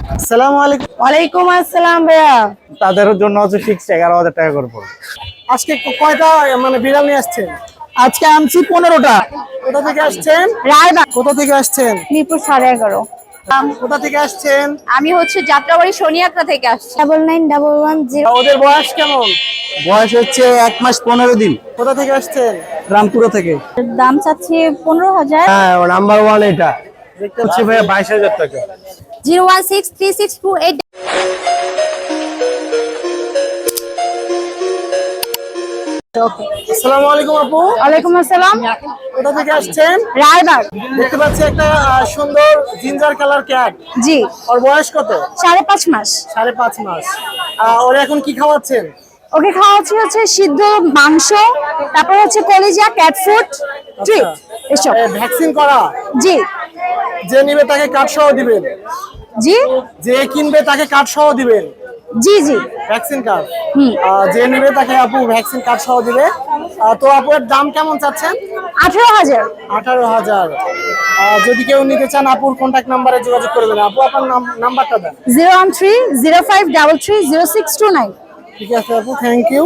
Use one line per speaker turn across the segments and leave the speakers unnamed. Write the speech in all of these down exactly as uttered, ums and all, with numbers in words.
আসসালামু আলাইকুম।
ওয়ালাইকুম আসসালাম ভাইয়া।
তাদের জন্য হচ্ছে ফিক্সড এগারো হাজার টাকা করে পড়বে। আজকে কয়টা মানে বিড়াল নিয়ে আসছেন?
আজকে আনছি পনেরোটা।
কোথা থেকে আসছেন?
রায়বাগ,
কোথা থেকে আসছেন?
মিরপুর সাড়ে এগারো।
কোথা থেকে আসছেন?
আমি হচ্ছে যাত্রাবাড়ি শনিয়াত্রা থেকে আসছি। Double nine double one zero.
ওদের বয়স কেমন?
বয়স হচ্ছে এক মাস পনেরো দিন।
কোথা থেকে আসছেন?
রামপুরা থেকে।
দাম চাচ্ছি পনেরো হাজার।
হ্যাঁ, নাম্বার ওয়ান এটা
দেখতে হচ্ছে ভাইয়া বাইশ হাজার টাকা।
Zero one six three six two eight.
আসসালামু আলাইকুম আপু।
ওয়ালাইকুম আসসালাম।
কোথা থেকে আসছেন?
রায়বাগ।
দেখতে পাচ্ছি একটা আহ, সুন্দর জিঞ্জার কালার ক্যাট।
জি,
ওর বয়স কত?
সাড়ে পাঁচ মাস।
সাড়ে পাঁচ মাস। আহ, ওর এখন কি খাওয়াচ্ছেন?
ওকে খাওয়াচ্ছি হচ্ছে সিদ্ধ মাংস, তারপর হচ্ছে কলিজা, ক্যাট ফুড, ট্রিট এসব।
ভ্যাকসিন করা?
জি
যে নিবে তাকে কার্ড সহ দিবেন?
জি
যে কিনবে তাকে কার্ড সহ দিবেন?
জি জি।
Vaccine card.
হুম।
যে নিবে তাকে আপু ভ্যাকসিন কার্ড সহ দিবে। আহ, তো আপু এর দাম কেমন চাচ্ছেন?
আঠারো হাজার।
আঠারো হাজার। যদি কেউ নিতে চান আপুর কন্ট্যাক্ট নাম্বারে যোগাযোগ করবেন। আপু আপনার নাম- নাম্বারটা দেন।
Zero one three zero five double three zero six two nine.
ঠিক আছে আপু, থ্যাংক ইউ।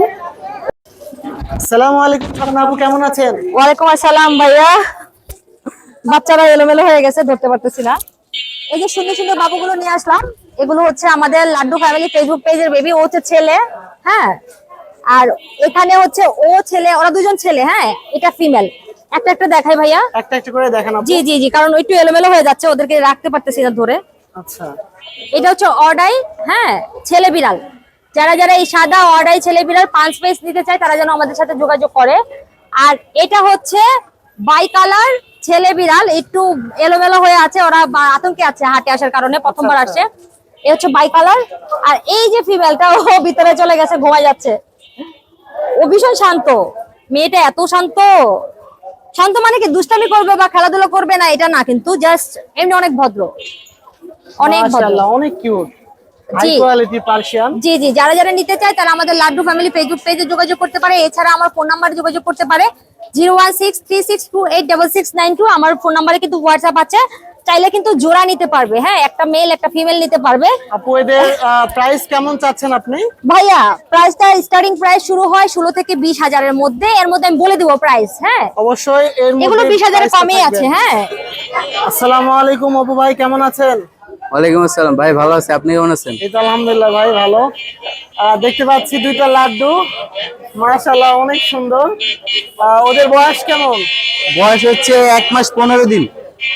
আসসালামু আলাইকুম ফারহানা আপু, কেমন আছেন?
ওয়ালাইকুম আসসালাম ভাইয়া। বাচ্চারা এলোমেলো হয়ে গেছে, ধরতে পারতেছি না। এই যে সুন্দর সুন্দর বাবুগুলো নিয়ে আসলাম, এগুলো হচ্ছে আমাদের লাড্ডু ফ্যামিলি ফেসবুক পেজের বেবি। ও হচ্ছে ছেলে, হ্যাঁ। আর এখানে হচ্ছে ও ছেলে, ওরা দুজন ছেলে, হ্যাঁ। এটা ফিমেল। একটা একটা দেখাই ভাইয়া।
একটা একটা করে দেখান আপু।
জি জি জি, কারণ একটু এলোমেলো হয়ে যাচ্ছে, ওদেরকে রাখতে পারতেছি না ধরে।
আচ্ছা।
এটা হচ্ছে অর্ডাই, হ্যাঁ, ছেলে বিড়াল। যারা যারা এই সাদা অর্ডাই ছেলে বিড়াল পাঁচ পিস নিতে চায় তারা যেন আমাদের সাথে যোগাযোগ করে। আর এটা হচ্ছে বাই কালার ছেলে বিড়াল, একটু এলোমেলো হয়ে আছে, ওরা বা- আতঙ্কে আছে হাটে আসার কারণে, প্রথমবার আসছে। এ হচ্ছে বাই কালার। আর এই যে ফিমেলটা, ও ভিতরে চলে গেছে, ঘুমাই যাচ্ছে। ও ভীষণ শান্ত, মেয়েটা এত শান্ত। শান্ত মানে কি দুষ্টামি করবে বা খেলাধুলা করবে না এটা না, কিন্তু জাস্ট এমনি অনেক ভদ্র, অনেক ভদ্র।
মাশাআল্লাহ, অনেক কিউট। হাই
জি
কোয়ালিটি পার্সিয়ান।
জি জি, যারা যারা নিতে চায় তারা আমাদের লাড্ডু ফ্যামিলি ফেসবুক পেজে যোগাযোগ করতে পারে। এছাড়া আমার ফোন নাম্বারে যোগাযোগ করতে পারে zero one six three six two eight double six nine two. আমার ফোন নাম্বারে কিন্তু হোয়াটসঅ্যাপ আছে, চাইলে কিন্তু জোড়া নিতে পারবে, হ্যাঁ, একটা মেল একটা ফিমেল নিতে পারবে।
আপু এদের প্রাইস কেমন চাচ্ছেন আপনি?
ভাইয়া প্রাইসটা স্টার্টিং প্রাইস শুরু হয় ষোলো থেকে বিশ হাজারের মধ্যে। এর মধ্যে আমি বলে দিব প্রাইস, হ্যাঁ।
অবশ্যই এর মধ্যে
এগুলো বিশ হাজারের
price টা
কমেই
থাকবে।
আছে, হ্যাঁ।
আসসালামু আলাইকুম আপু ভাই, কেমন আছেন?
ওয়ালাইকুম আসসালাম ভাই, ভালো আছে, আপনি কেমন আছেন?
এই তো আলহামদুলিল্লাহ ভাই, ভালো। আহ, দেখতে পাচ্ছি দুইটা লাড্ডু, মাশাআল্লাহ অনেক সুন্দর। আহ, ওদের বয়স কেমন?
বয়স হচ্ছে এক মাস পনেরো দিন।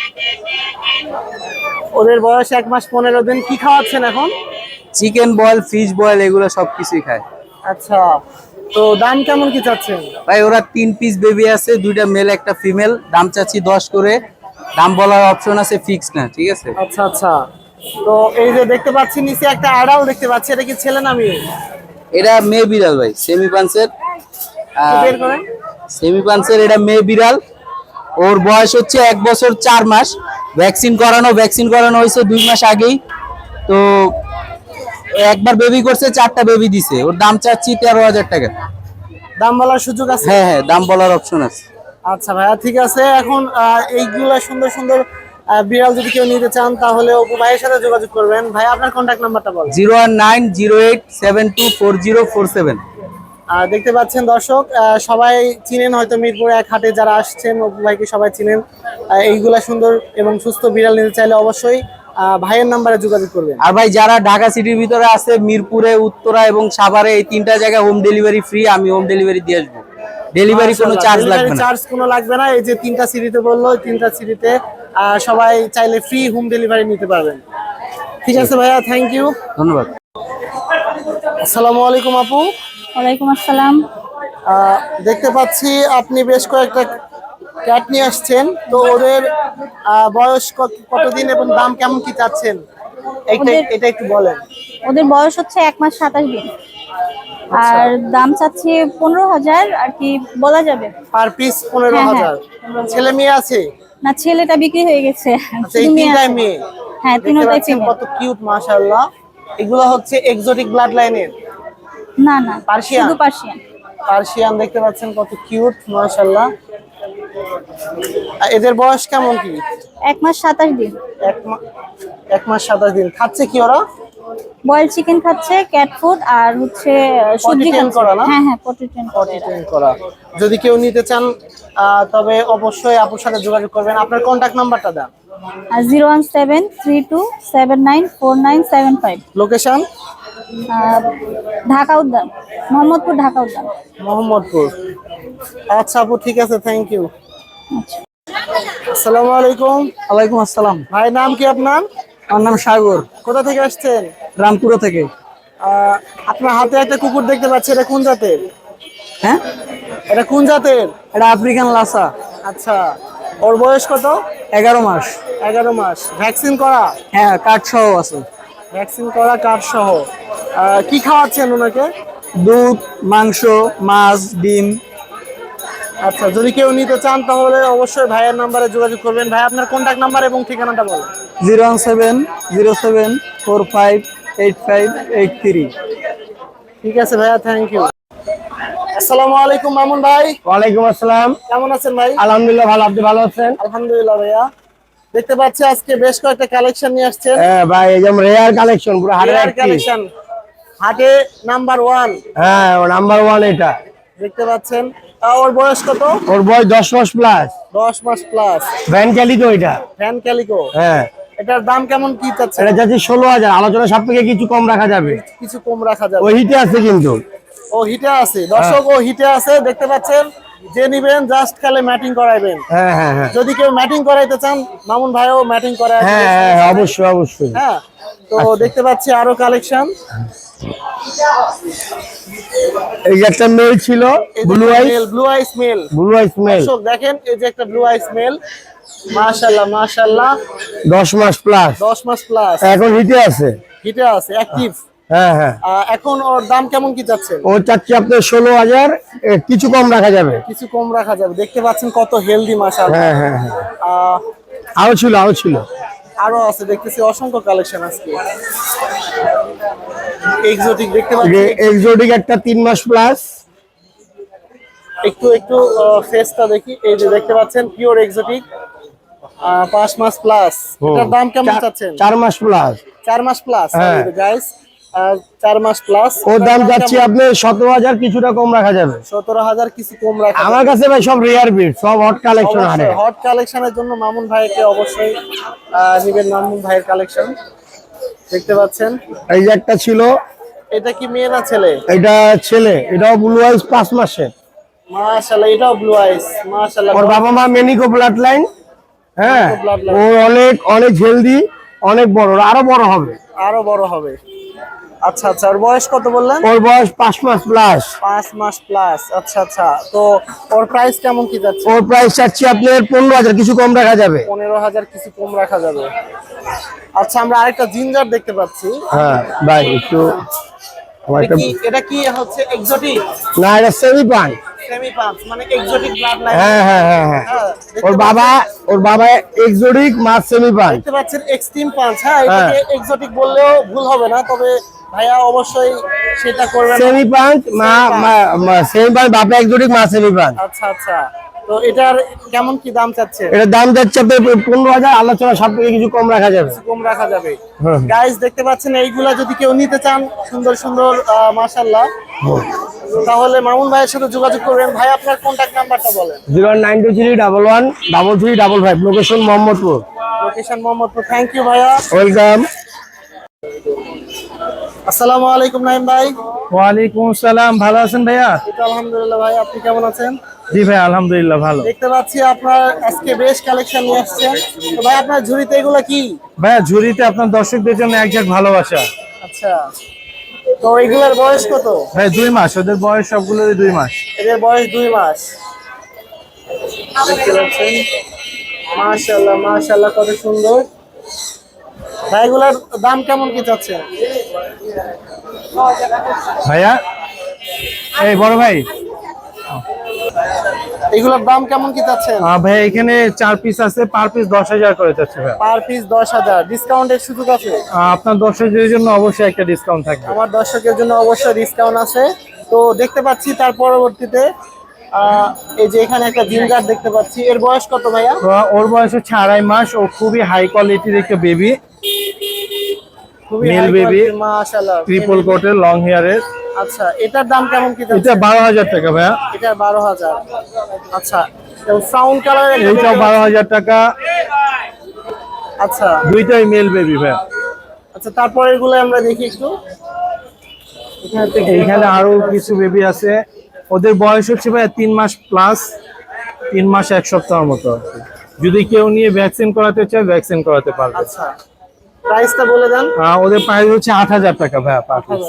ওদের বয়স এক মাস পনেরো দিন। কি খাওয়াচ্ছেন এখন?
চিকেন বয়েল, ফিশ বয়েল, এগুলো সবকিছুই খায়।
আচ্ছা, তো দাম কেমন কি চাচ্ছেন?
ভাই ওরা তিন পিস বেবি আছে, দুইটা মেল একটা ফিমেল। দাম চাচ্ছি দশ করে। দাম বলার অপশন আছে, ফিক্স না, ঠিক আছে?
আচ্ছা আচ্ছা। তো এই যে দেখতে পাচ্ছি নিচে একটা আড়াল দেখতে পাচ্ছি, এটা কি ছেলে না মেয়ে?
এটা মেয়ে বিড়াল ভাই, সেমি পাঞ্চের।
একটু বের করেন।
সেমি পাঞ্চের এটা মেয়ে বিড়াল। ওর বয়স হচ্ছে এক বছর চার মাস। ভ্যাকসিন করানো ভ্যাকসিন করানো হয়েছে দুই মাস আগেই। তো একবার বেবি করছে, চারটা বেবি দিছে। ওর দাম চাচ্ছি তেরো হাজার টাকা।
দাম বলার সুযোগ আছে?
হ্যাঁ হ্যাঁ, দাম বলার অপশন আছে।
আচ্ছা ভাইয়া, ঠিক আছে। এখন আহ, এইগুলা সুন্দর সুন্দর আহ, বিড়াল যদি কেউ নিতে চান তাহলে অপু ভাইয়ের সাথে যোগাযোগ করবেন। ভাই আপনার কন্ট্যাক্ট নাম্বারটা বলেন।
Zero one nine zero eight seven two four zero four seven.
আহ, দেখতে পাচ্ছেন দর্শক, আহ, সবাই চিনেন হয়তো মিরপুর এক হাটে যারা আসছেন, অপু ভাইকে সবাই চিনেন। আহ, এইগুলা সুন্দর এবং সুস্থ বিড়াল নিতে চাইলে অবশ্যই আহ, ভাইয়ের নাম্বারে যোগাযোগ করবেন।
আর ভাই যারা ঢাকা সিটির ভিতরে আছে, মিরপুরে, উত্তরা এবং সাভারে, এই তিনটা জায়গায় হোম ডেলিভারি ফ্রি। আমি হোম ডেলিভারি দিয়ে আসবো। ডেলিভারি কোনো চার্জ লাগবে না।
চার্জ কোনো লাগবে না। এই যে তিনটা সিটিতে বললো, ওই তিনটা সিটিতে আহ, সবাই চাইলে ফ্রি হোম ডেলিভারি নিতে পারবেন। ঠিক আছে ভাইয়া, থ্যাংক ইউ।
ধন্যবাদ।
আসসালামু আলাইকুম আপু।
ওয়ালাইকুম আসসালাম।
আহ, দেখতে পাচ্ছি আপনি বেশ কয়েকটা ক্যাট নিয়ে আসছেন। তো ওদের আহ, বয়স কত- কতদিন এবং দাম কেমন কি চাচ্ছেন? এইটা
ওদের-
এটা একটু বলেন।
ওদের বয়স হচ্ছে এক মাস সাতাশ দিন।
আচ্ছা।
আর দাম চাচ্ছি পনেরো হাজার আর কি বলা যাবে।
পার পিস পনেরো
হ্যাঁ,
হাজার
হ্যাঁ।
ছেলে মেয়ে আছে?
না, ছেলেটা বিক্রি হয়ে গেছে,
আচ্ছা, এই
শুধু মেয়ে
তিনটাই
আছে।
মেয়ে?
হ্যাঁ,
দেখতে
তিনটাই
পাচ্ছেন
ফিমেল।
কত কিউট, মাশাআল্লাহ। এগুলো হচ্ছে এক্সোটিক ব্লাড লাইনের
না না,
পার্সিয়ান?
শুধু পার্সিয়ান।
পার্সিয়ান। দেখতে পাচ্ছেন কত কিউট, মাশাআল্লাহ। আর এদের বয়স কেমন কি?
এক মাস সাতাশ দিন।
এক মা- এক মাস সাতাশ দিন। খাচ্ছে কি ওরা?
বয়েল চিকেন খাচ্ছে, ক্যাট ফুড আর হচ্ছে সবজি
train
খাচ্ছে।
করা না?
হ্যাঁ হ্যাঁ পটি ট্রেন করে এরা।
ট্রেন করা। যদি কেউ নিতে চান আহ, তবে অবশ্যই আপুর সাথে যোগাযোগ করবেন। আপনার কন্ট্যাক্ট নাম্বারটা দেন।
আর zero one seven three two seven nine four nine seven five.
Location
Dhaka Udyan, Mohammadpur Dhaka Udyan.
Mohammadpur. আচ্ছা আপু, ঠিক আছে, থ্যাংক ইউ। আসসালামু আলাইকুম।
ওয়ালাইকুম আসসালাম।
ভাই, নাম কি আপনার?
আমার নাম সাগর,
কোথা থেকে আসছেন?
রামপুরা থেকে।
আহ, আপনার হাতে একটা কুকুর দেখতে পাচ্ছি, এটা কোন জাতের?
হ্যাঁ,
এটা কোন জাতের?
এটা আফ্রিকান লাসা।
আচ্ছা, ওর বয়স কত?
এগারো মাস।
এগারো মাস। ভ্যাকসিন করা?
হ্যাঁ, কাঠ সহ আছে।
ভ্যাকসিন করা, কার্ড সহ। আহ, কি খাওয়াচ্ছেন ওনাকে?
দুধ, মাংস, মাছ, ডিম।
আচ্ছা, যদি কেউ নিতে চান তাহলে অবশ্যই ভাইয়ের নাম্বারে যোগাযোগ করবেন। ভাই, আপনার কন্ট্যাক্ট নাম্বার এবং ঠিকানাটা বলেন।
Zero one seven zero seven four five eight five eight three.
ঠিক আছে ভাইয়া, থ্যাংক ইউ। আসসালামু আলাইকুম মামুন ভাই।
ওয়ালাইকুম আসসালাম।
কেমন আছেন ভাই?
আলহামদুলিল্লাহ ভালো, আপনি ভালো আছেন?
আলহামদুলিল্লাহ ভাইয়া। দেখতে পাচ্ছি আজকে বেশ কয়েকটা কালেকশন নিয়ে আসছেন।
হ্যাঁ ভাই, একদম রেয়ার কালেকশন, পুরো হাটের
রেয়ার
একটি।
কালেকশন, হাটে নাম্বার ওয়ান।
হ্যাঁ, নাম্বার ওয়ান এটা।
দেখতে পাচ্ছেন। আহ, ওর বয়স কত?
ওর বয়স দশ মাস প্লাস।
দশ মাস প্লাস।
ভ্যান ক্যালিকো এটা।
Van calico.
হ্যাঁ,
এটার দাম কেমন কি চাচ্ছেন?
এটা যাচ্ছে ষোলো হাজার। আলোচনা সাপেক্ষে কিছু কম রাখা যাবে।
কিছু কম রাখা যাবে।
ওই হিটে আছে কিন্তু।
ও হিটে আছে দর্শক, ও হিটে আছে। দেখতে পাচ্ছেন, যে নিবেন জাস্ট খালি ম্যাটিং করাইবেন।
হ্যাঁ হ্যাঁ হ্যাঁ
যদি কেউ ম্যাটিং করাইতে চান, মামুন ভাইও ম্যাটিং করায়।
হ্যাঁ হ্যাঁ হ্যাঁ, অবশ্যই অবশ্যই।
হ্যাঁ, তো দেখতে পাচ্ছি আরো কালেকশন।
এই যে একটা মেল ছিল, blue eyes.
Blue eyes male.
Blue eyes male
দর্শক দেখেন, এই যে একটা ব্লু আইস মেল। মাশাআল্লাহ মাশাআল্লাহ।
দশ মাস প্লাস।
দশ মাস প্লাস।
এখন হিটে আছে।
হিটে আছে, অ্যাক্টিভ।
হ্যাঁ হ্যাঁ,
এখন ওর দাম কেমন কি চাচ্ছেন?
ও চাচ্ছি আপনার ষোলো হাজার, কিছু কম রাখা যাবে।
কিছু কম রাখা যাবে। দেখতে পাচ্ছেন কত হেলদি মাশাআল্লাহ।
হ্যাঁ হ্যাঁ হ্যাঁ,
আহ,
আরো ছিল আরো ছিল।
আরো আছে, দেখতেছি অসংখ্য কালেকশন আজকে। এক্সোটিক দেখতে পাচ্ছি।
এক্সোটিক একটা তিন মাস প্লাস।
একটু একটু ফেসটা দেখি। এই যে দেখতে পাচ্ছেন পিওর এক্সোটিক, পাঁচ মাস প্লাস। এটার দাম কেমন
চার-
চাচ্ছেন?
চার মাস প্লাস।
চার মাস প্লাস
হ্যাঁ।
গাইস, চার মাস প্লাস।
ওর দাম যাচ্ছে আপনার সতেরো হাজার, কিছুটা কম রাখা যাবে।
সতেরো হাজার, কিছু কম রাখা
আমার কাছে ভাই সব রেয়ার বিট, সব হট কালেকশন হারে।
হট কালেকশনের জন্য মামুন ভাইকে অবশ্যই আহ, নিবেন। মামুন ভাইয়ের কালেকশন দেখতে পাচ্ছেন।
এই যে একটা ছিল,
এটা কি মেয়ে না ছেলে?
এটা ছেলে, এটাও ব্লু আইস পাঁচ মাসের।
মাশাআল্লাহ, এটাও ব্লু আইস। মাশাআল্লাহ।
ওর বাবা মা মেনিকো ব্লাড লাইন। হ্যাঁ,
মেনিকো bloodline।
ও অনেক অনেক হেলদি, অনেক বড়, ওর আরো বড় হবে।
আরো বড় হবে। আচ্ছা আচ্ছা, ওর বয়স কত বললেন?
ওর বয়স পাঁচ মাস প্লাস।
পাঁচ মাস প্লাস। আচ্ছা আচ্ছা, তো ওর প্রাইস কেমন কি যাচ্ছে?
ওর প্রাইস চাচ্ছি আপনার পনেরো হাজার, কিছু কম রাখা যাবে।
পনেরো হাজার, কিছু কম রাখা যাবে। আচ্ছা, আমরা আরেকটা জিঞ্জার দেখতে পাচ্ছি।
হ্যাঁ ভাই, একটু আমার
এটা
একটা,
কি এটা কি হচ্ছে এক্সোটিক?
না এটা সেমি পান।
সেমি পাঁচ মানে এক্সোটিক ব্লাড লাইন।
হ্যাঁ হ্যাঁ হ্যাঁ হ্যাঁ, ওর বাবা ওর বাবা এক্সোটিক মাছ সেমি পান।
দেখতে পাচ্ছেন এক্সট্রিম পাঁচ। হ্যাঁ, এটাকে এক্সোটিক বললেও ভুল হবে না, তবে ভাইয়া অবশ্যই সেটা করবেন।
সেমি পান মা সেমি পান, বাবা এক্সোটিক মা সেমি পান।
আচ্ছা আচ্ছা, তো এটার কেমন কি দাম চাচ্ছে?
এটার দাম যাচ্ছে আপনার পনেরো হাজার, আলোচনা সব থেকে কিছু কম রাখা যাবে।
কিছু কম রাখা যাবে।
হুম।
গাইস দেখতে পাচ্ছেন, এইগুলা যদি কেউ নিতে চান, সুন্দর সুন্দর মাশাআল্লাহ, তাহলে মামুন ভাইয়ের সাথে যোগাযোগ করবেন। ভাই, আপনার কন্ট্যাক্ট নাম্বারটা বলেন।
Zero nine two three double one double three double five, location Mohammadpur.
Location Mohammadpur. Thank you ভাইয়া।
ওয়েলকাম।
আসসালামু আলাইকুম নাইম ভাই।
ওয়ালাইকুম আসসালাম, ভালো আছেন ভাইয়া?
এই তো আলহামদুলিল্লাহ ভাই, আপনি কেমন আছেন?
জি ভাই, আলহামদুলিল্লাহ ভালো।
দেখতে পাচ্ছি আপনার আজকে বেশ কালেকশন নিয়ে আসছেন। তো ভাই, আপনার ঝুড়িতে এগুলো কি?
ভাইয়া, ঝুড়িতে আপনার দর্শকদের জন্য এক ঝাঁক ভালোবাসা।
আচ্ছা, তো এগুলোর বয়স কত?
ভাই দুই মাস, ওদের বয়স সবগুলোরই দুই মাস।
এদের বয়স দুই মাস। দেখতে পাচ্ছেন, মাশাআল্লাহ মাশাআল্লাহ, কত সুন্দর। ভাই, এগুলোর দাম কেমন কি চাচ্ছেন?
ভাইয়া, এই বড় ভাই,
এগুলোর দাম কেমন কি চাচ্ছেন?
আহ, ভাইয়া এখানে চার পিস আছে, পার পিস দশ হাজার করে যাচ্ছে ভাইয়া।
পার পিস দশ হাজার, ডিসকাউন্টের সুযোগ আছে?
আহ, আপনার দর্শকদের জন্য অবশ্যই একটা ডিসকাউন্ট থাকবে।
আমার দর্শকের জন্য অবশ্যই ডিসকাউন্ট আছে। তো দেখতে পাচ্ছি তার পরবর্তীতে আহ, এই যে এখানে একটা জিঞ্জার দেখতে পাচ্ছি, এর বয়স কত ভাইয়া?
তো ওর বয়স হচ্ছে আড়াই মাস, ও খুবই হাই কোয়ালিটির একটা বেবি,
খুবই
Male
high
baby,
quality, মাশাআল্লাহ।
ট্রিপল কোটের, লং হেয়ারের।
আচ্ছা, এটার দাম কেমন কি
এটা
যাচ্ছে?
বারো হাজার টাকা ভাইয়া।
এটার বারো হাজার। আচ্ছা, ফ্রাউন কালার
এইটাও বারো হাজার টাকা,
আচ্ছা
দুইটাই মেল বেবি ভাইয়া।
আচ্ছা, তারপরে এগুলো আমরা দেখি একটু। এখানে তো
এইখানে আরো কিছু বেবি আছে, ওদের বয়স হচ্ছে ভাইয়া তিন মাস প্লাস, তিন মাস এক সপ্তাহের মতো আর কি। যদি কেউ নিয়ে ভ্যাকসিন করাতে চায় ভ্যাকসিন করাতে পারবে।
আচ্ছা, প্রাইসটা বলে দেন।
আহ, ওদের প্রাইস হচ্ছে আট হাজার টাকা ভাইয়া পার পিস।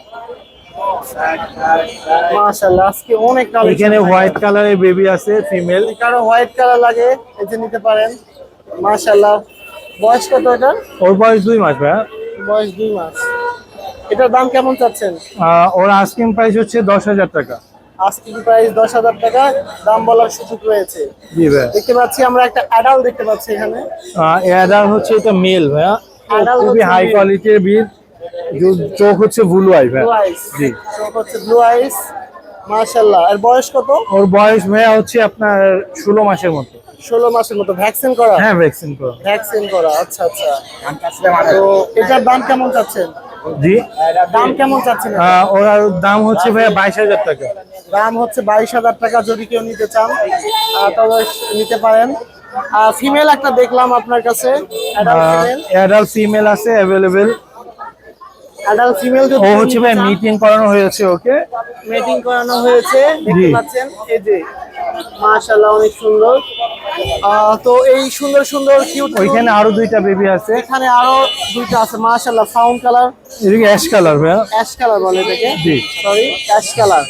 মাশাআল্লাহ, আজকে অনেক কালেকশন।
এখানে হোয়াইট কালারের বেবি আছে ফিমেল।
কারো হোয়াইট কালার লাগে, এই যে নিতে পারেন। মাশাআল্লাহ, বয়স কত এটার?
ওর বয়স দুই মাস ভাইয়া।
বয়স দুই মাস। এটার দাম কেমন চাচ্ছেন?
আহ, ওর আস্কিং প্রাইস হচ্ছে দশ হাজার টাকা।
আস্কিং প্রাইস দশ হাজার টাকা, দাম বলার সুযোগ রয়েছে।
জি ভাইয়া।
দেখতে পাচ্ছি আমরা একটা অ্যাডাল্ট দেখতে পাচ্ছি এখানে।
এডার হচ্ছে এটা মেল ভাইয়া, ও
Adult
খুবই
হচ্ছে
হাই
male।
কোয়ালিটির বিট, চোখ হচ্ছে ব্লু আই ভাইয়া।
Blue eyes.
জি।
চোখ হচ্ছে ব্লু আইস। মাশাআল্লাহ, এর বয়স কত?
ওর বয়স ভাইয়া হচ্ছে আপনার ষোলো মাসের মতো।
ষোলো মাসের মতো। ভ্যাকসিন করা?
হ্যাঁ ভ্যাকসিন করা।
ভ্যাকসিন করা, আচ্ছা আচ্ছা। তো এটার দাম কেমন চাচ্ছেন?
জি।
দাম কেমন চাচ্ছেন?
আহ, ওর আর দাম হচ্ছে ভাইয়া বাইশ হাজার টাকা।
দাম হচ্ছে বাইশ হাজার টাকা। যদি কেউ নিতে চান আহ, তবে নিতে পারেন। ফিমেল একটা দেখলাম আপনার কাছে, অ্যাডাল্ট ফিমেল।
অ্যাডাল্ট ফিমেল আছে অ্যাভেলেবেল।
অ্যাডাল্ট ফিমেল যদি
ও
কেউ
হচ্ছে
নিতে
ভাই
চান,
মিটিং করানো হয়েছে ওকে।
মিটিং করানো হয়েছে, দেখতে
জি।
পাচ্ছেন। এই যে মাশাআল্লাহ, অনেক সুন্দর। আহ, তো এই সুন্দর সুন্দর কিউট,
ওইখানে আরো দুইটা বেবি আছে,
এখানে আরো দুইটা আছে। মাশাআল্লাহ, ফাউন কালার,
এদিকে অ্যাশ কালার ভাইয়া।
অ্যাশ কালার বলে এটাকে,
জি।
Sorry, ash colour.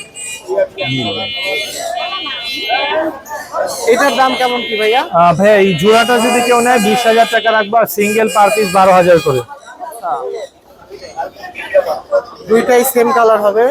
এটার দাম কেমন কি ভাইয়া?
আহ, ভাইয়া এই জোড়াটা যদি কেউ নেয় বিশ হাজার টাকা রাখবো, আর সিঙ্গেল পার পিস বারো হাজার করে।
দুইটাই সেম কালার হবে।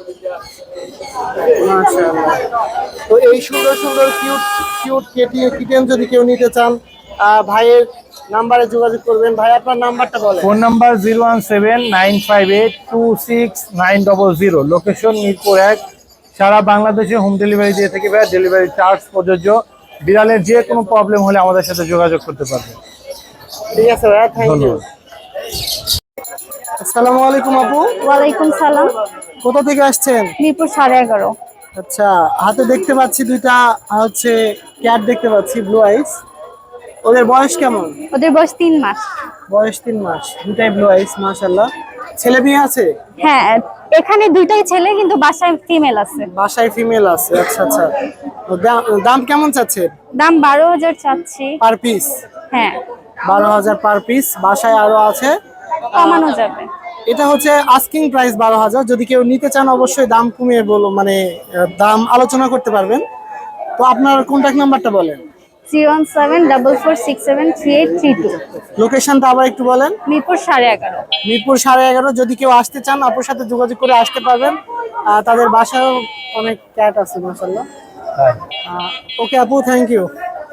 মাশাআল্লাহ। তো এই সুন্দর সুন্দর কিউট কিউট কেটি কিটেন যদি কেউ নিতে চান, আহ, ভাইয়ের নাম্বারে যোগাযোগ করবেন। ভাই, আপনার নাম্বারটা বলেন।
Phone number zero one seven nine five eight two six nine double zero, location Mirpur এক। সারা বাংলাদেশে হোম ডেলিভারি দিয়ে থাকি ভাইয়া, ডেলিভারি চার্জ প্রযোজ্য। বিড়ালের যে কোনো প্রবলেম হলে আমাদের সাথে যোগাযোগ করতে পারবে।
ঠিক আছে ভাইয়া, থ্যাংক ইউ।
ধন্যবাদ।
আসসালামু আলাইকুম আপু,
ওয়ালাইকুম সালাম।
কোথা থেকে আসছেন?
মিরপুর সাড়ে এগারো।
আচ্ছা, হাতে দেখতে পাচ্ছি দুইটা হচ্ছে ক্যাট দেখতে পাচ্ছি, ব্লু আইস। ওদের বয়স কেমন?
ওদের বয়স তিন মাস।
বয়স তিন মাস, দুটাই ব্লু আইস। মাশাআল্লাহ, ছেলে মেয়ে আছে?
হ্যাঁ, এখানে দুইটাই ছেলে, কিন্তু বাসায় ফিমেল আছে।
বাসায় ফিমেল আছে, আচ্ছা আচ্ছা। তো দাম- দাম কেমন চাচ্ছেন
দাম বারো হাজার চাচ্ছি।
Per piece?
হ্যাঁ,
বারো হাজার পার পিস। বাসায় আরো আছে,
কমানো যাবে।
এটা হচ্ছে আস্কিং প্রাইস বারো হাজার। যদি কেউ নিতে চান অবশ্যই দাম কমিয়ে বলো, মানে আহ, দাম আলোচনা করতে পারবেন। তো আপনার কন্ট্যাক্ট নাম্বারটা বলেন।
Zero one seven double four six seven three eight three two.
লোকেশনটা আবার একটু বলেন।
মিরপুর সাড়ে এগারো।
মিরপুর সাড়ে এগারো। যদি কেউ আসতে চান আপুর সাথে যোগাযোগ করে আসতে পারবেন। আহ, তাদের বাসায়ও অনেক ক্যাট আছে মাশাআল্লাহ। ওকে আপু, থ্যাংক ইউ।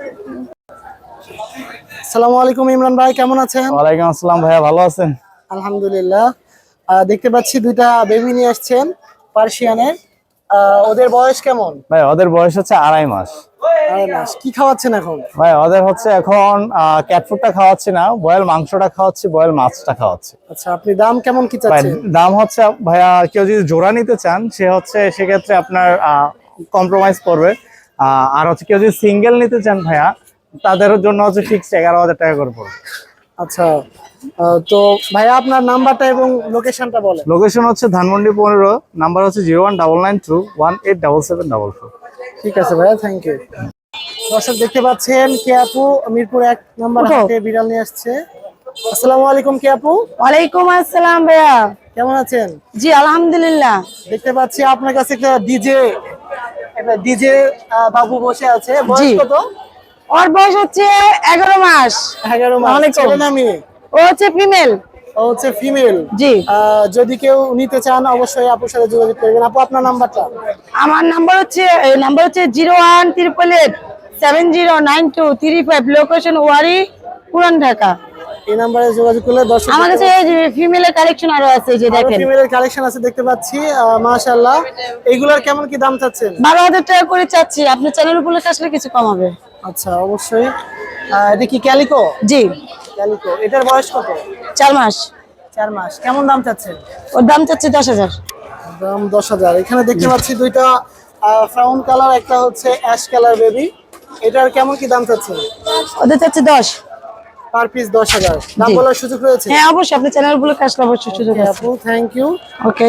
আসসালামু আলাইকুম ইমরান ভাই, কেমন আছেন?
ওয়ালাইকুম আসসালাম ভাইয়া, ভালো আছেন?
আলহামদুলিল্লাহ। আহ, দেখতে পাচ্ছি দুইটা বেবি নিয়ে আসছেন পার্সিয়ানের। আহ, ওদের বয়স কেমন?
ভাই ওদের বয়স হচ্ছে আড়াই মাস।
আড়াই মাস। কি খাওয়াচ্ছেন এখন?
ভাই ওদের হচ্ছে এখন ক্যাট ফুডটা খাওয়াচ্ছি না, বয়েল মাংসটা খাওয়াচ্ছি, বয়েল মাছটা খাওয়াচ্ছি।
আচ্ছা, আপনি দাম কেমন কি
ভাই
চাচ্ছেন?
দাম হচ্ছে ভাইয়া, কেউ যদি জোড়া নিতে চান সে হচ্ছে সেক্ষেত্রে আপনার কম্প্রোমাইজ করবে। আহ, আর হচ্ছে কেউ যদি সিঙ্গেল নিতে চান ভাইয়া, তাদের জন্য হচ্ছে ফিক্সড এগারো হাজার টাকা করে পড়বে।
আচ্ছা, আহ, তো ভাইয়া আপনার নাম্বারটা এবং লোকেশনটা বলেন।
লোকেশন হচ্ছে ধানমন্ডি পনেরো, নাম্বার হচ্ছে zero one double nine two one eight double seven double four.
ঠিক আছে ভাইয়া, থ্যাংক ইউ। দর্শক দেখতে পাচ্ছেন কে আপু মিরপুর এক নম্বর হাটে বিড়াল নিয়ে আসছে। আসসালামু আলাইকুম কে আপু,
ওয়ালাইকুম আসসালাম ভাইয়া।
কেমন আছেন?
জি আলহামদুলিল্লাহ।
দেখতে পাচ্ছি আপনার কাছে একটা ডিজে একটা ডিজে বাবু বসে আছে। বয়স
জি।
কত?
ওর বয়স হচ্ছে এগারো মাস।
এগারো মাস।
ওয়ালাইকুম।
ছেলে না মেয়ে?
ও হচ্ছে ফিমেল।
ও হচ্ছে ফিমেল।
জি।
যদি কেউ নিতে চান অবশ্যই আপুর সাথে যোগাযোগ করবেন। আপু আপনার নাম্বারটা?
আমার নাম্বার হচ্ছে নাম্বার হচ্ছে zero one triple eight seven zero nine two three five, location Wari, পুরান ঢাকা।
এই নাম্বারে যোগাযোগ করলে দর্শক
আমার কাছে ফিমেলের কালেকশন আরো আছে, এই যে দেখেন
ফিমেলের কালেকশন আছে দেখতে পাচ্ছি। আহ, মাশাআল্লাহ, এইগুলোর কেমন কি দাম চাচ্ছেন?
বারো হাজার টাকা করে চাচ্ছি, আপনার চ্যানেল উপলক্ষে আসলে কিছু কম হবে।
আচ্ছা, অবশ্যই। আহ, এটা কি ক্যালিকো?
জি,
ক্যালিকো। এটার বয়স কত?
চার মাস।
চার মাস। কেমন দাম চাচ্ছেন?
ওর দাম চাচ্ছি দশ হাজার।
দাম দশ হাজার। এখানে দেখতে পাচ্ছি দুইটা ব্রাউন কালার, একটা হচ্ছে অ্যাশ কালার বেবি। এটার কেমন কি দাম চাচ্ছেন?
ওদের চাচ্ছি দশ।
পার পিস দশ হাজার। দাম
জি।
বলার সুযোগ রয়েছে?
হ্যাঁ অবশ্যই, আপনার চ্যানেল উপলক্ষে আসলে অবশ্যই সুযোগ আছে।
আপু, থ্যাংক ইউ।
ওকে,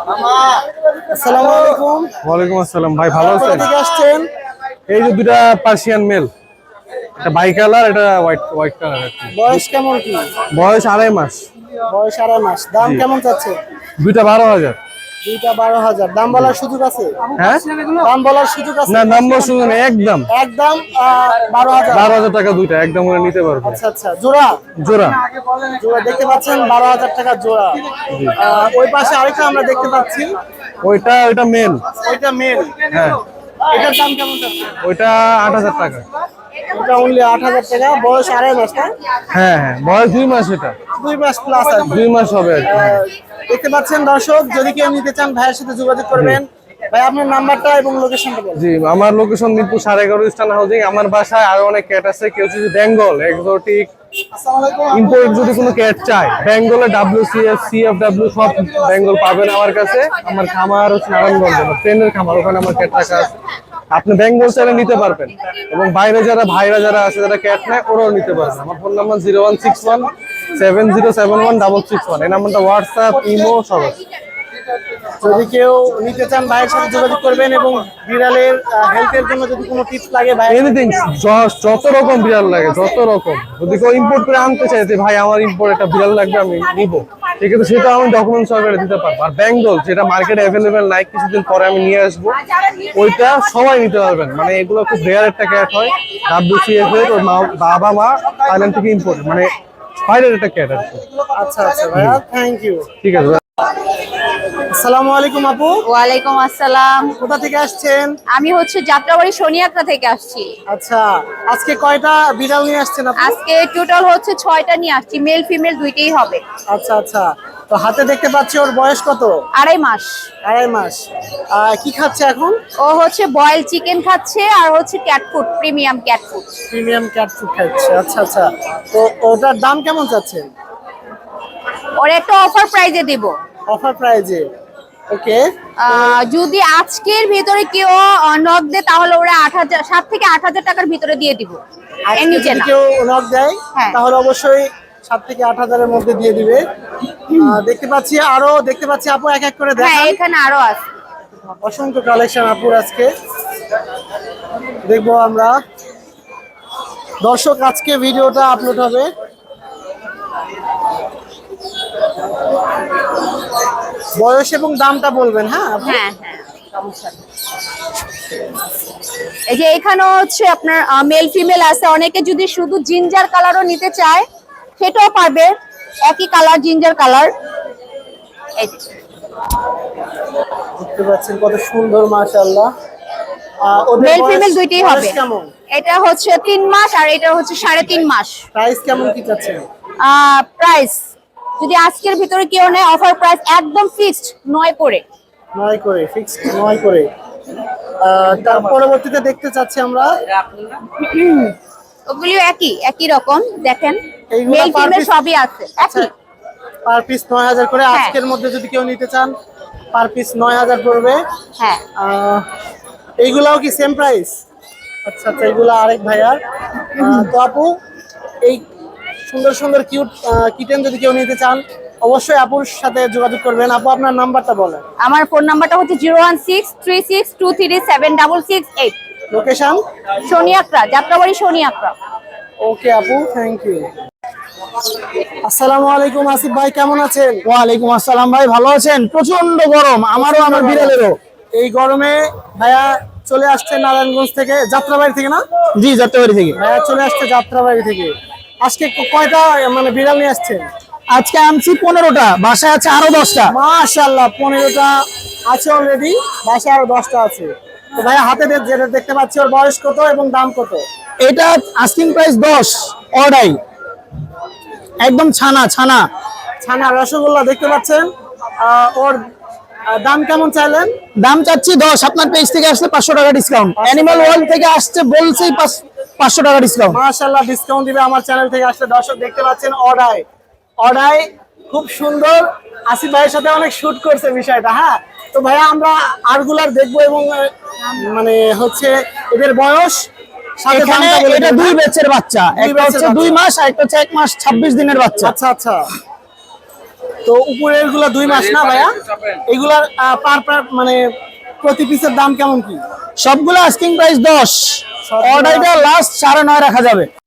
আসসালামু আলাইকুম।
ওয়ালাইকুম আসসালাম ভাই, ভালো
কোথা
আছেন?
থেকে আসছেন?
এই যে দুটা পার্সিয়ান মেল, এটা বাই কালার, এটা হোয়াইট হোয়াইট কালার।
বয়স কেমন কি?
বয়স আড়াই মাস।
বয়স আড়াই মাস। দাম কেমন চাচ্ছেন?
দুইটা বারো হাজার।
দুইটা বারো হাজার। দাম বলার সুযোগ আছে?
হ্যাঁ,
দাম বলার সুযোগ আছে?
না নাম্বার শুনুন, একদম
একদম আহ, বারো হাজার।
বারো হাজার টাকা দুইটা একদম করে নিতে পারবে।
আচ্ছা আচ্ছা, জোড়া?
জোড়া।
জোড়া দেখতে পাচ্ছেন, বারো হাজার টাকা জোড়া। আহ, ওই পাশে আরেকটা আমরা দেখতে পাচ্ছি,
ওইটা ওইটা মেল।
ওইটা মেল।
হ্যাঁ,
এটার দাম কেমন চাচ্ছেন?
ওইটা আট হাজার টাকা।
এটা অনলি আট হাজার টাকা। বয়স আড়াই মাস না?
হ্যাঁ হ্যাঁ, বয়স দুই মাস, এটা
দুই মাস প্লাস আর কি।
দুই মাস হবে আর কি।
আহ, দেখতে পাচ্ছেন দর্শক, যদি কেউ নিতে চান ভাইয়ের সাথে যোগাযোগ করবেন। ভাই, আপনার নাম্বারটা এবং লোকেশনটা বলুন।
জি, আমার লোকেশন মিরপুর সাড়ে এগারো স্টান হাউজিং। আমার বাসায় আরো অনেক ক্যাট আছে। কেউ যদি বেঙ্গল এক্সোটিক
আসসালামু আলাইকুম।
ইম্পোর্ট যদি কোনো ক্যাট চায়, বেঙ্গলে ডাব্লিউসিএফ সিএফডব্লিউ সব বেঙ্গল পাবেন আমার কাছে। আমার খামার হচ্ছে নারায়ণগঞ্জ, ট্রেনের খামার, ওখানে আমার ক্যাট রাখা আছে। আপনি বেঙ্গল চাইলে নিতে পারবেন, এবং বাইরে যারা ভাইরা যারা আছে যারা ক্যাট নেয় ওরাও নিতে পারবেন। আমার phone number zero one six one seven zero seven one double six one. এই নাম্বারটা হোয়াটসঅ্যাপ, ইমো সব আছে।
যদি কেউ নিতে চান ভাইয়ের সাথে যোগাযোগ করবেন, এবং বিড়ালের হেলথের জন্য যদি কোনো টিপস লাগে ভাই।
এনিথিং, যত রকম বিড়াল লাগে, যত রকম। যদি কেউ ইম্পোর্ট করে আনতে চায় যে ভাই আমার ইম্পোর্ট একটা বিড়াল লাগবে, আমি নিবো, সেক্ষেত্রে সেটা আমি ডকুমেন্ট সহকারে দিতে পারবো। আর বেঙ্গল যেটা মার্কেটে অ্যাভেলেবেল নাই, কিছুদিন পরে আমি নিয়ে আসবো, ওইটা সবাই নিতে পারবেন। মানে এগুলো খুব রেয়ার একটা ক্যাট হয়, ডাব্লিউসিএফ এর, ওর মা বাবা মা থাইল্যান্ড থেকে ইম্পোর্ট, মানে বাইরের একটা ক্যাট আর কি।
আচ্ছা আচ্ছা ভাইয়া, থ্যাংক ইউ।
ঠিক আছে।
আসসালামু আলাইকুম আপু।
ওয়ালাইকুম আসসালাম।
কোথা থেকে আসছেন?
আমি হচ্ছে যাত্রাবাড়ি সোনিয়াকড়া থেকে আসছি।
আচ্ছা, আজকে কয়টা বিড়াল নিয়ে আসছেন আপু?
আজকে টোটাল হচ্ছে ছয়টা নিয়ে আসছি, মেল ফিমেল দুইটাই হবে।
আচ্ছা আচ্ছা, তো হাতে দেখতে পাচ্ছি ওর বয়স কত?
আড়াই মাস।
আড়াই মাস। আহ, কি খাচ্ছে এখন?
ও হচ্ছে বয়েল চিকেন খাচ্ছে, আর হচ্ছে cat food, premium cat food.
Premium cat food খাচ্ছে। আচ্ছা আচ্ছা, তো ওটার দাম কেমন চাচ্ছেন?
ওর একটা অফার প্রাইজে দেব।
অফার প্রাইজে? ওকে।
আহ, যদি আজকের ভিতরে কেউ নক দেয় তাহলে ওরা আট হাজার সাত থেকে আট হাজার টাকার ভিতরে দিয়ে দিব। এর
আজকে
নিচে
যদি
না।
কেউ নক দেয়
হ্যাঁ।
তাহলে অবশ্যই সাত থেকে আট হাজারের মধ্যে দিয়ে দিবে। আহ, দেখতে পাচ্ছি আরো, দেখতে পাচ্ছি আপু এক এক করে
হ্যাঁ,
দেখান।
এখানে আরো আছে।
অসংখ্য কালেকশন আপুর আজকে দেখবো আমরা। দর্শক, আজকে ভিডিওটা আপলোড হবে বয়স এবং দামটা বলবেন। হ্যাঁ আপু?
হ্যাঁ হ্যাঁ, সমস্যা নেই। এই যে এখানে হচ্ছে আপনার মেল ফিমেল আছে। অনেকে যদি শুধু জিঞ্জার কালারও নিতে চায় সেটাও পারবে, একই কালার, জিঞ্জার কালার। এই যে
দেখতে পাচ্ছেন কত সুন্দর, মাশাআল্লাহ।
মেল ফিমেল দুইটাই হবে।
কেমন?
এটা হচ্ছে তিন মাস আর এটা হচ্ছে সাড়ে তিন মাস।
প্রাইস কেমন কি চাচ্ছেন?
প্রাইস যদি আজকের ভিতরে কেউ নেয়, অফার প্রাইস একদম ফিক্সড নয় করে।
নয় করে ফিক্সড, নয় করে। আহ, তার পরবর্তীতে দেখতে চাচ্ছি আমরা।
ওগুলিও একই একই রকম, দেখেন
এইগুলা
মেল
per
ফিমেল
piece?
সবই আছে একই।
পার পিস নয় হাজার করে।
হ্যাঁ।
আজকের মধ্যে যদি কেউ নিতে চান পার পিস নয় হাজার পড়বে।
হ্যাঁ,
আহ, এইগুলাও কি সেম প্রাইস? আচ্ছা আচ্ছা, এইগুলা আরেক ভাইয়ার। আহ, তো আপু, এই সুন্দর সুন্দর কিউট কিটেন যদি কেউ নিতে চান অবশ্যই আপুর সাথে যোগাযোগ করবেন। আপু, আপনার নাম্বারটা বলেন।
আমার ফোন নাম্বারটা হচ্ছে zero one six three six two three seven double six eight.
Location?
Shoniakhra, Jatrabari Shoniakhra.
Okay আপু, থ্যাংক ইউ। আসসালামু আলাইকুম আসিফ ভাই, কেমন আছেন?
ওয়ালাইকুম আসসালাম ভাই, ভালো আছেন? প্রচন্ড গরম, আমারও আমার বিড়ালেরও।
এই গরমে ভাইয়া চলে আসছে নারায়ণগঞ্জ থেকে, যাত্রাবাড়ি থেকে না?
জি, যাত্রাবাড়ি থেকে।
ভাইয়া চলে আসছে যাত্রাবাড়ি থেকে। আজকে ক- কয়টা মানে বিড়াল নিয়ে আসছেন?
আজকে আনছি পনেরোটা, বাসায় আছে আরো দশটা।
মাশাআল্লাহ, পনেরোটা আছে অলরেডি, বাসায় আরো দশটা আছে। তো ভাইয়া হাতে দে- যেটা দেখতে পাচ্ছি ওর বয়স কত এবং দাম কত?
এটা আস্কিং প্রাইস দশ, অর্ডাই।
একদম ছানা ছানা ছানা রসগোল্লা দেখতে পাচ্ছেন। আহ, ওর আহ, দাম কেমন চাইলেন?
দাম চাচ্ছি দশ, আপনার পেজ থেকে আসলে পাঁচশো টাকা ডিসকাউন্ট, অ্যানিমাল ওয়ার্ল্ড থেকে আসছে বলছেই পাঁচশো টাকা ডিসকাউন্ট।
মাশাআল্লাহ ডিসকাউন্ট দিবে আমার চ্যানেল থেকে আসলে। দর্শক দেখতে পাচ্ছেন অডাই অডাই খুব সুন্দর। আসিফ ভাইয়ের সাথে অনেক শুট করছে বিষয়টা। হ্যাঁ, তো ভাইয়া আমরা আরগুলার দেখবো এবং আহ, মানে হচ্ছে এদের বয়স সাথে
এখানে
দামটা বলে
এটা
দিন,
দুই
হ্যাঁ?
ব্যাচের বাচ্চা,
দুই
একটা
ব্যাচের
হচ্ছে দুই
বাচ্চা।
মাস আর একটা হচ্ছে এক মাস ছাব্বিশ দিনের বাচ্চা।
আচ্ছা আচ্ছা, তো উপরের গুলা দুই মাস না ভাইয়া? এগুলার পার পার মানে প্রতি পিসের দাম কেমন কি?
সবগুলো আস্কিং প্রাইস দশ, অর্ডারটা লাস্ট সাড়ে নয় রাখা যাবে।